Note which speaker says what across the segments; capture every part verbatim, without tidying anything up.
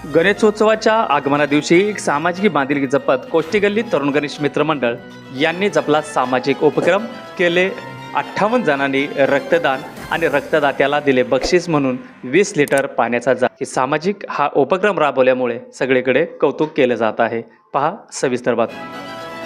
Speaker 1: गणेशोत्सवाच्या आगमना दिवशी एक सामाजिक बांधिलकी जपत कोष्टी गल्ली तरुण गणेश मित्र मंडळ यांनी जपला सामाजिक उपक्रम केले. अठ्ठावन्न जणांनी रक्तदान आणि रक्तदात्याला दिले बक्षीस म्हणून वीस लिटर पाण्याचा जार. ही सामाजिक हा उपक्रम राबवल्यामुळे सगळीकडे कौतुक केले जात आहे. पहा सविस्तर बातमी.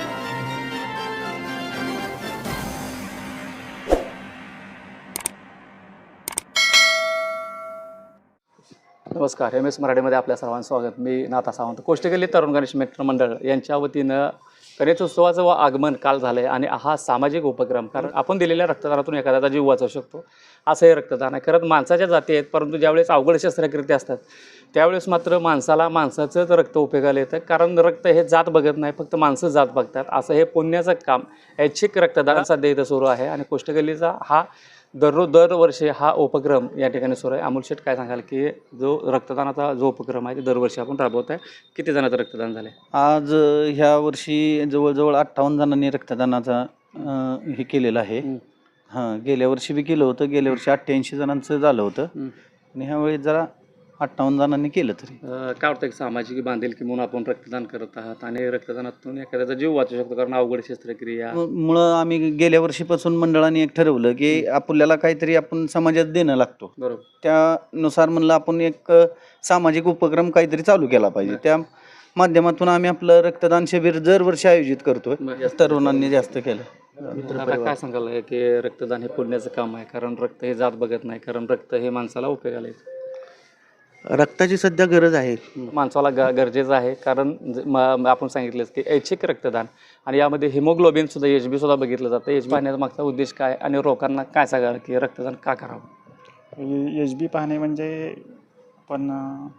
Speaker 1: नमस्कार, एम एस मराठीमध्ये आपल्या सर्वांचं स्वागत. मी नाथा सावंत. कोष्टी गल्ली तरुण गणेश मित्र मंडळ यांच्या वतीनं गणेशोत्सवाचं व आगमन काल झालं आहे आणि हा सामाजिक उपक्रम, कारण आपण दिलेल्या रक्तदानातून एखाद्याचा जीव वाचवू शकतो असं हे रक्तदान आहे. खरंच माणसाच्या जाती आहेत, परंतु ज्यावेळेस अवघड शस्त्रक्रिया असतात त्यावेळेस मात्र माणसाला माणसाचंच रक्त उपयोगाला येतं, कारण रक्त हे जात बघत नाही, फक्त माणसं जात बघतात. असं हे पुण्याचं काम ऐच्छिक रक्तदान सध्या इथं सुरू आहे आणि कोष्टी गल्लीचा हा दररोज दरवर्षी हा उपक्रम या ठिकाणी सुरू आहे. अमोल शेठ, काय सांगाल की जो रक्तदानाचा जो उपक्रम आहे ते दरवर्षी आपण राबवत आहे, किती जणांचं रक्तदान झालं आहे?
Speaker 2: आज अ, ह्या वर्षी जवळजवळ अठ्ठावन्न जणांनी रक्तदानाचा अ, हे केलेलं आहे. हां, गेल्या वर्षी बी केलं होतं. गेल्या वर्षी अठ्ठ्याऐंशी जणांचं झालं होतं आणि ह्यावेळी जरा अठ्ठावन्न जणांनी केलं. तरी
Speaker 1: अं, काय वाटतं, एक सामाजिक बांधिलकी म्हणून आपण रक्तदान करत आहात आणि रक्तदानातून एखाद्याचा जीव वाचू शकतो, कारण अवघड शस्त्रक्रिया.
Speaker 2: म- मुळं आम्ही गेल्या वर्षीपासून मंडळाने एक ठरवलं की आपल्याला काहीतरी आपण समाजात देणं लागतो.
Speaker 1: बरोबर.
Speaker 2: त्यानुसार म्हणलं आपण एक अ, सामाजिक उपक्रम काहीतरी चालू केला पाहिजे. त्या माध्यमातून आम्ही आपलं रक्तदान शिबिर दरवर्षी आयोजित करतोय. तरुणांनी जास्त केलं.
Speaker 1: आता काय सांगाल की रक्तदान हे पुण्याचं काम आहे, कारण रक्त हे जात बघत नाही, कारण रक्त हे माणसाला उपयोगाला येतं.
Speaker 3: रक्ताची सध्या गरज आहे.
Speaker 1: माणसाला ग गरजेचं आहे, कारण ज- म- आपण सांगितलंच की ऐच्छिक रक्तदान आणि यामध्ये हिमोग्लोबिन सुद्धा एच बी सुद्धा बघितलं जातं. एच बी पाहण्याचा मागचा उद्देश काय आणि लोकांना काय सांगाल की रक्तदान का करावं?
Speaker 4: एच बी पाहणे म्हणजे पण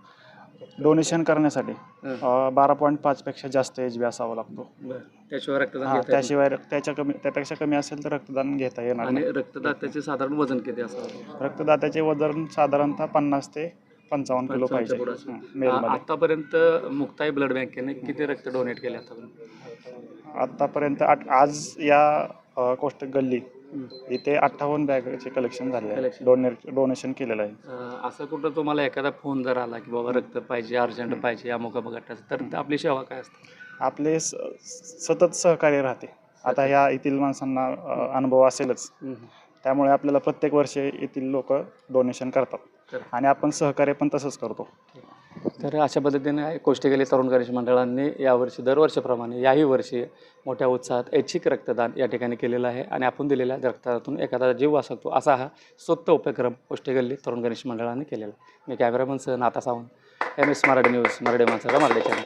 Speaker 4: डोनेशन करण्यासाठी अ, बारा पॉईंट पाचपेक्षा जास्त एच बी असावा लागतो.
Speaker 1: त्याशिवाय रक्तदान
Speaker 4: हां,
Speaker 1: घेता येत
Speaker 4: त्याशिवाय रक्त- त्याच्या कमी त्यापेक्षा कमी असेल तर रक्तदान घेता येणार
Speaker 1: नाही.
Speaker 4: नाही.
Speaker 1: आणि रक्तदात्याचे साधारण वजन किती असावं?
Speaker 4: रक्तदात्याचे वजन साधारणतः पन्नास ते पंचावन्न किलो पाहिजे.
Speaker 1: पुढं असेल.
Speaker 4: हं,
Speaker 1: आ-
Speaker 4: मेलमध्ये.
Speaker 1: आतापर्यंत मुक्ताई ब्लड बँकेने किती रक्त डोनेट केले आतापर्यंत?
Speaker 4: आतापर्यंत आठ आज या अ, कोष्टक गल्ली इथे अठ्ठावन्न बॅगचे कलेक्शन झाले आहे.
Speaker 1: Collection.
Speaker 4: डोनेट डोनेशन केलेलं आहे.
Speaker 1: अं, असं कुठं तुम्हाला एखादा फोन जर आला की बाबा रक्त पाहिजे, अर्जंट पाहिजे, अमुक गटाचं, तर आपली सेवा काय असते?
Speaker 4: आपले स- सतत सहकार्य राहते. आता ह्या येथील माणसांना अ, अनुभव असेलच, त्यामुळे आपल्याला प्रत्येक वर्षी येथील लोक डोनेशन करतात
Speaker 1: करतात.
Speaker 4: आणि आपण सहकार्य पण तसंच करतो.
Speaker 1: तर अशा पद्धतीने कोष्टी गल्ली तरुण गणेश मंडळांनी यावर्षी दरवर्षीप्रमाणे याही वर्षी मोठ्या उत्साहात ऐच्छिक रक्तदान या ठिकाणी केलेलं आहे आणि आपण दिलेल्या रक्तदानातून एखादा जीव वाचतो असा हा स्वतः उपक्रम कोष्टी गल्ली तरुण गणेश मंडळाने केलेला आहे. मी कॅमेरामन सह Natha Sawant, M S Marathi news, Marathi माणसाचा मराठी चॅनल.